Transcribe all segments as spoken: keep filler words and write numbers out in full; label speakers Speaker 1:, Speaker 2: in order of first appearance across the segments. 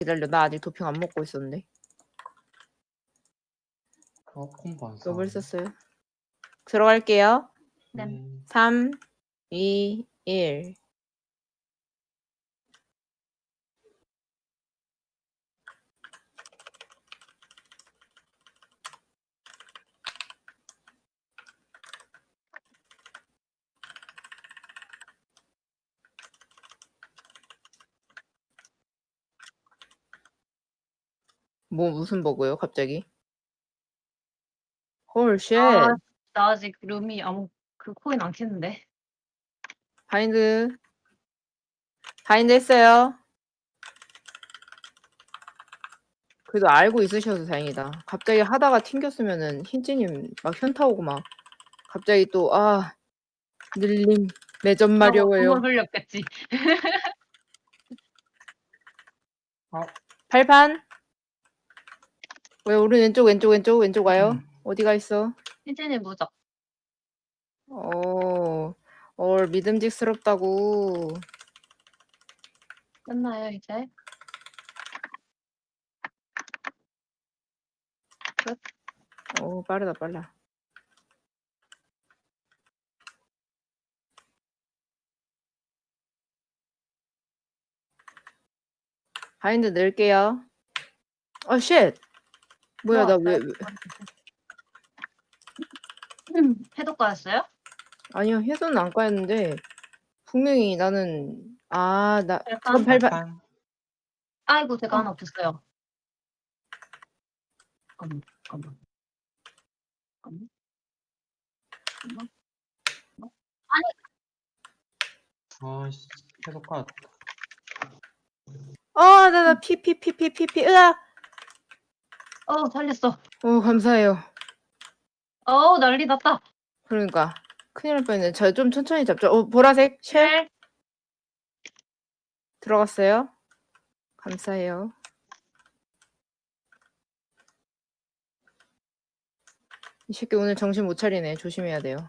Speaker 1: 기다려. 나 아직 도핑 안 먹고 있었는데.
Speaker 2: 어, 콤보 안
Speaker 1: 너무
Speaker 2: 써.
Speaker 1: 썼어요. 들어갈게요.
Speaker 2: 네.
Speaker 1: 삼, 이, 일. 뭐 무슨 버그요, 갑자기? 헐, 쉣.
Speaker 3: 아, 나 아직 룸이 아무 그 코인 안 켰는데.
Speaker 1: 바인드. 바인드 했어요. 그래도 알고 있으셔서 다행이다. 갑자기 하다가 튕겼으면은 흰찌님 막 현타 오고 막 갑자기 또 아 늘림 매점 마려워요.
Speaker 3: 눈물 흘렸겠지.
Speaker 2: 어,
Speaker 1: 발판. 왜 우리 왼쪽 왼쪽 왼쪽 왼쪽 와요?
Speaker 2: 음.
Speaker 1: 어디가 있어?
Speaker 3: 흰진이 무적.
Speaker 1: 어, 얼 믿음직스럽다고.
Speaker 3: 끝나요 이제?
Speaker 1: 어, 빠르다 빨라. 바인드 넣을게요. 어, 쉣. 뭐야, 나 왜, 왜.
Speaker 3: 음, 해독가였어요?
Speaker 1: 아니요, 해소는 안 까였는데 분명히 나는 아, 나
Speaker 3: 발판?
Speaker 1: 잠깐 발판.
Speaker 2: 발판.
Speaker 3: 아이고 제가
Speaker 1: 어.
Speaker 3: 하나 없었어요. 잠깐만, 잠깐만. 잠깐만. 잠깐만.
Speaker 2: 아씨, 계속 가.
Speaker 1: 어, 나, 나, 피, 피, 피, 피, 피, 피, 으아!
Speaker 3: 어 살렸어.
Speaker 1: 어, 감사해요.
Speaker 3: 어 난리 났다.
Speaker 1: 그러니까. 큰일 날 뻔했네. 저 좀 천천히 잡죠. 어, 보라색, 쉘?
Speaker 3: 쉘.
Speaker 1: 들어갔어요. 감사해요. 이 새끼 오늘 정신 못 차리네. 조심해야 돼요.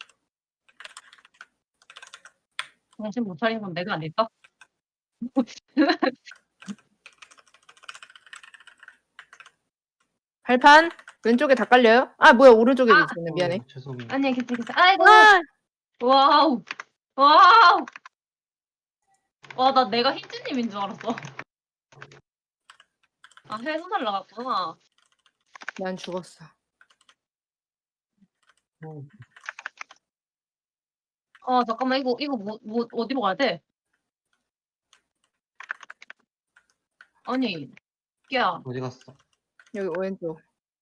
Speaker 3: 정신 못 차린 건 내가 아닐까?
Speaker 1: 발판 왼쪽에 다 깔려요? 아, 뭐야, 오른쪽에도
Speaker 3: 아!
Speaker 1: 있었네. 미안해.
Speaker 2: 어, 죄송해요.
Speaker 3: 아니야 괜찮겠어. 아이고.
Speaker 1: 아!
Speaker 3: 와우. 와우. 와 나 내가 흰진님인 줄 알았어. 아 해수 날라갔구나.
Speaker 1: 난 죽었어.
Speaker 2: 어,
Speaker 3: 아 잠깐만 이거 이거 뭐, 뭐 어디로 가야 돼? 아니 야
Speaker 2: 어디 갔어?
Speaker 1: 여기 왼쪽.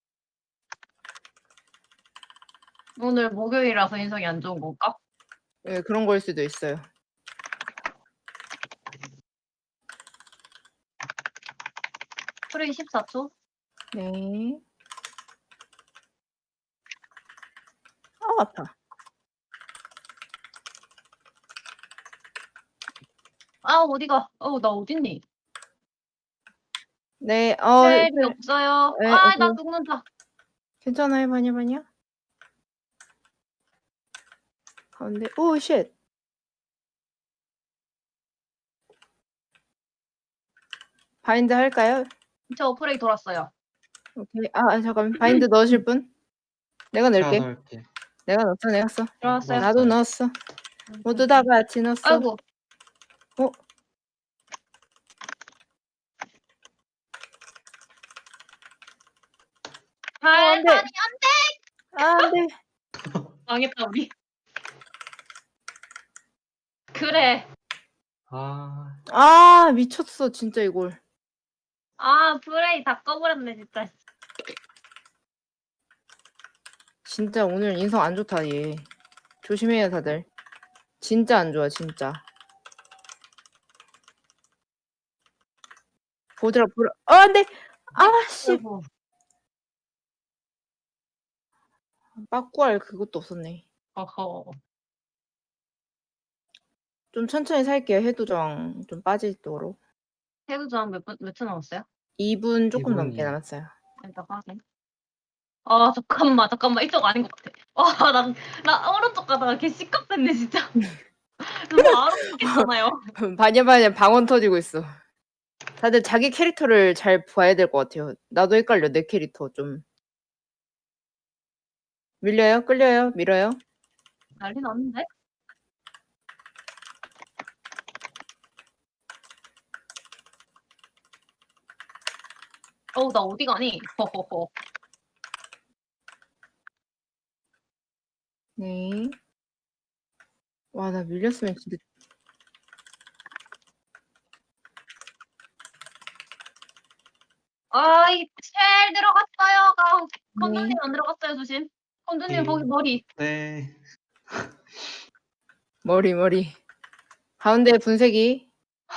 Speaker 3: 오늘 목요일이라서 인성이 안 좋은 건가?
Speaker 1: 예, 그런 걸 수도 있어요.
Speaker 3: 프레이 십사 초?
Speaker 1: 네. 아, 아파.
Speaker 3: 아 어디가? 어 나 어딨니?
Speaker 1: 네, 어,
Speaker 3: 셀이
Speaker 1: 셀.
Speaker 3: 없어요.
Speaker 1: 네,
Speaker 3: 아 나
Speaker 1: 오케이.
Speaker 3: 죽는다.
Speaker 1: 괜찮아요, 바냐, 바냐? 가운데, 오, 쉣. 바인드 할까요?
Speaker 3: 저 프레이 돌았어요.
Speaker 1: 오케이. 아, 아, 잠깐. 바인드 넣으실 분? 내가
Speaker 2: 제가
Speaker 1: 넣을게.
Speaker 2: 넣을게.
Speaker 1: 내가 넣었어, 내가 써.
Speaker 3: 들어왔어요.
Speaker 1: 나도 넣었어. 모두 다 같이 넣었어.
Speaker 3: 아이고.
Speaker 1: 어? 안 돼.
Speaker 3: 발판이
Speaker 1: 아, 안 돼.
Speaker 3: 망했다 우리. 그래.
Speaker 2: 아,
Speaker 1: 아, 미쳤어, 진짜 이걸.
Speaker 3: 아 프레이 다 꺼버렸네 진짜.
Speaker 1: 진짜 오늘 인성 안 좋다, 얘. 조심해요, 다들. 진짜 안 좋아, 진짜. 보드라, 보라. 어, 안 돼! 아, 씨.
Speaker 3: 아이고.
Speaker 1: 빠꾸할 그것도 없었네.
Speaker 3: 어허.
Speaker 1: 좀 천천히 살게요, 해도정 좀 빠지도록.
Speaker 3: 해도 저한 몇분몇초 남았어요?
Speaker 1: 이 분 조금
Speaker 2: 이
Speaker 1: 넘게
Speaker 2: 분이요.
Speaker 1: 남았어요.
Speaker 3: 일단 확인. 아 잠깐만 잠깐만 이쪽 아닌 것 같아. 와나 나 오른쪽 가다가 개 시끄럽네 진짜. 저 바로 죽겠잖아요.
Speaker 1: 바냐바냐 방언 터지고 있어. 다들 자기 캐릭터를 잘 봐야 될 것 같아요. 나도 헷갈려, 내 캐릭터 좀. 밀려요? 끌려요? 밀어요?
Speaker 3: 난리 났는데? 어우, 나 어디 가니? 허허허.
Speaker 1: 네. 와, 나 밀렸으면 진짜.
Speaker 3: 아이, 쉘 들어갔어요. 아,
Speaker 1: 네.
Speaker 3: 건두님 안 들어갔어요, 조심. 건두님
Speaker 2: 네.
Speaker 3: 거기 머리.
Speaker 2: 네.
Speaker 1: 머리, 머리. 가운데 분쇄기.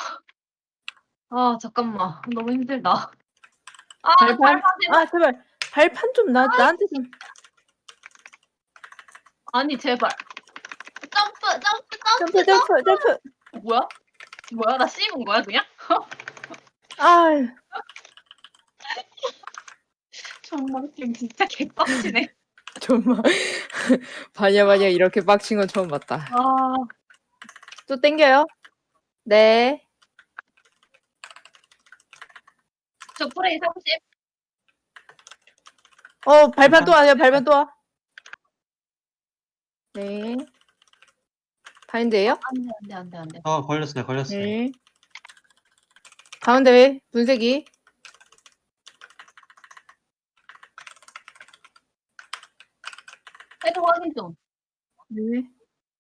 Speaker 3: 아, 잠깐만. 너무 힘들다. 아,
Speaker 1: 발판.
Speaker 3: 발판 제발.
Speaker 1: 아, 제발. 발판 좀 나, 나한테 좀.
Speaker 3: 아니, 제발. 점프, 점프, 점프,
Speaker 1: 점프, 점프, 점프.
Speaker 3: 어, 뭐야? 뭐야? 나 씹은 거야, 그냥?
Speaker 1: 아,
Speaker 3: 정말 지금 진짜 개빡치네.
Speaker 1: 정말. 바냐, 바냐, 이렇게 빡친 건 처음 봤다.
Speaker 3: 아,
Speaker 1: 또 땡겨요? 네.
Speaker 3: 저 프레이 삼십.
Speaker 1: 어, 발판 또
Speaker 2: 발판.
Speaker 1: 와요, 발판 또 와. 네. 바인드예요?
Speaker 3: 안 돼, 안 돼, 안 돼, 안 돼.
Speaker 2: 어, 걸렸어요, 걸렸어요.
Speaker 1: 네. 가운데 분쇄기.
Speaker 3: 헤드 확인 좀.
Speaker 1: 네.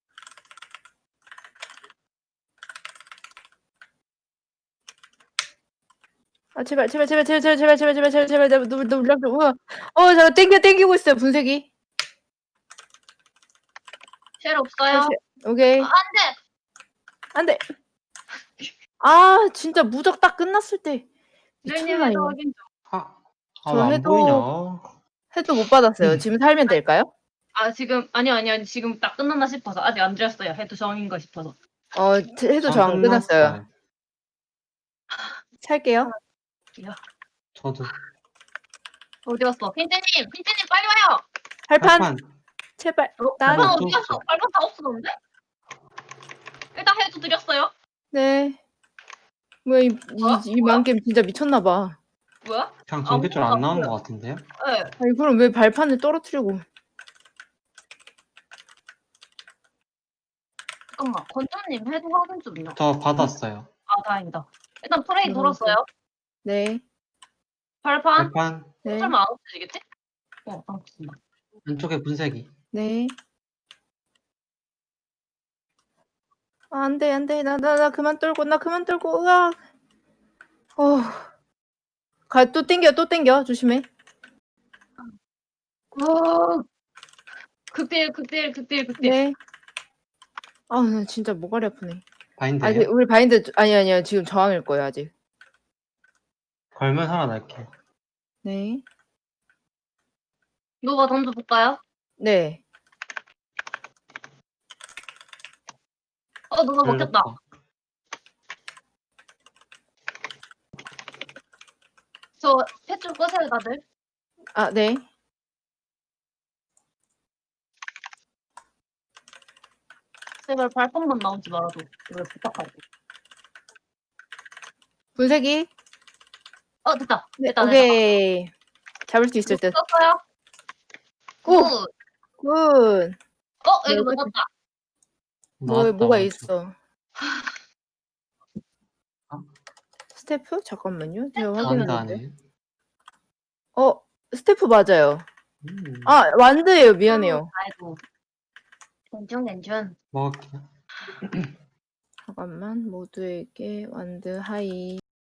Speaker 1: 아, 제발, 제발, 제발, 제발, 제발, 제발, 제발, 제발, 제발, 제발, 제발, 너무, 너무, 너무, 우와. 어, 저 땡겨, 땡기고 있어요, 분쇄기.
Speaker 3: 쉘 없어요.
Speaker 1: 오케이.
Speaker 3: 아, 안 돼.
Speaker 1: 안 돼. 아, 진짜 무적 딱 끝났을 때.
Speaker 3: 쉘님
Speaker 1: 미쳤나,
Speaker 3: 헤드
Speaker 1: 이거.
Speaker 3: 확인 좀.
Speaker 2: 아, 아,
Speaker 1: 저
Speaker 2: 왜 안
Speaker 1: 해도-
Speaker 2: 보이냐?
Speaker 1: 해도 못 받았어요.
Speaker 2: 음.
Speaker 1: 지금 살면 될까요?
Speaker 3: 아, 지금, 아니요, 아니요, 아니, 지금 딱 끝났나 싶어서. 아직 안 드렸어요. 헤드 정인가 싶어서.
Speaker 1: 어, 해도 저 안
Speaker 2: 전
Speaker 1: 끝났어요. 살게요.
Speaker 2: 저도.
Speaker 3: 어디 갔어? 핀트님! 핀트님 빨리 와요!
Speaker 1: 발판,
Speaker 2: 발판.
Speaker 1: 제발.
Speaker 3: 어,
Speaker 1: 나,
Speaker 3: 발판
Speaker 2: 어,
Speaker 3: 어디
Speaker 2: 좀
Speaker 3: 갔어?
Speaker 2: 있어.
Speaker 3: 발판 다 없어졌는데? 일단 해도 드렸어요.
Speaker 1: 네. 뭐야, 이,
Speaker 3: 뭐야?
Speaker 1: 이, 이 만겜 진짜 미쳤나봐.
Speaker 3: 뭐야?
Speaker 2: 그냥
Speaker 3: 아,
Speaker 2: 전개줄 안
Speaker 3: 뭐야,
Speaker 2: 나온
Speaker 3: 뭐야.
Speaker 2: 것 같은데요?
Speaker 3: 네.
Speaker 1: 아니, 그럼 왜 발판을 떨어뜨리고.
Speaker 3: 잠깐만. 건조님 헤드 확인 좀요.
Speaker 2: 저 받았어요.
Speaker 3: 아, 다행이다. 일단 프레이
Speaker 1: 음,
Speaker 3: 돌았어요.
Speaker 1: 네.
Speaker 3: 발판?
Speaker 2: 발판.
Speaker 1: 네.
Speaker 3: 설마 안 없어지겠지? 어, 안 없어진다.
Speaker 2: 왼쪽에 분쇄기.
Speaker 1: 네. 아, 안 돼, 안 돼. 나, 나, 나 그만 떨고, 나 그만 떨고, 으악. 어. 가, 또 땡겨, 또 땡겨. 조심해.
Speaker 3: 어, 극딜, 극딜, 극딜, 극딜.
Speaker 1: 네. 아, 나 진짜 모가리 아프네.
Speaker 2: 바인드예요?
Speaker 1: 아직, 우리 바인드, 아니, 아니요. 지금 저항일 거예요, 아직.
Speaker 2: 걸면 살아날게요.
Speaker 1: 네.
Speaker 3: 누가 던져볼까요?
Speaker 1: 네.
Speaker 3: 어, 누가 먹혔다.
Speaker 2: 걸렸다.
Speaker 3: 저 펫좀 끄세요, 다들.
Speaker 1: 아, 네.
Speaker 3: 제발 발판만 나오지 말아도. 이걸 부탁할게.
Speaker 1: 분쇄기.
Speaker 3: 어, 됐다.
Speaker 1: 네,
Speaker 3: 됐다, 됐다.
Speaker 1: 오케이. 잡을 수 있을 듯.
Speaker 3: 썼어요?
Speaker 1: 오!
Speaker 3: 굿.
Speaker 1: 굿.
Speaker 3: 어,
Speaker 1: 네,
Speaker 3: 이거
Speaker 1: 끝.
Speaker 3: 먹었다.
Speaker 1: 뭐,
Speaker 2: 나왔다,
Speaker 1: 뭐가
Speaker 2: 맞아.
Speaker 1: 있어?
Speaker 2: 어?
Speaker 1: 스태프? 잠깐만요. 제가
Speaker 3: 스태프
Speaker 1: 확인했는데.
Speaker 2: 완다네.
Speaker 1: 어, 스태프 맞아요.
Speaker 2: 음,
Speaker 1: 아, 완드예요. 미안해요.
Speaker 3: 아이고. 괜찮, 괜찮.
Speaker 2: 먹을게요.
Speaker 1: 잠깐만. 모두에게 완드 하이.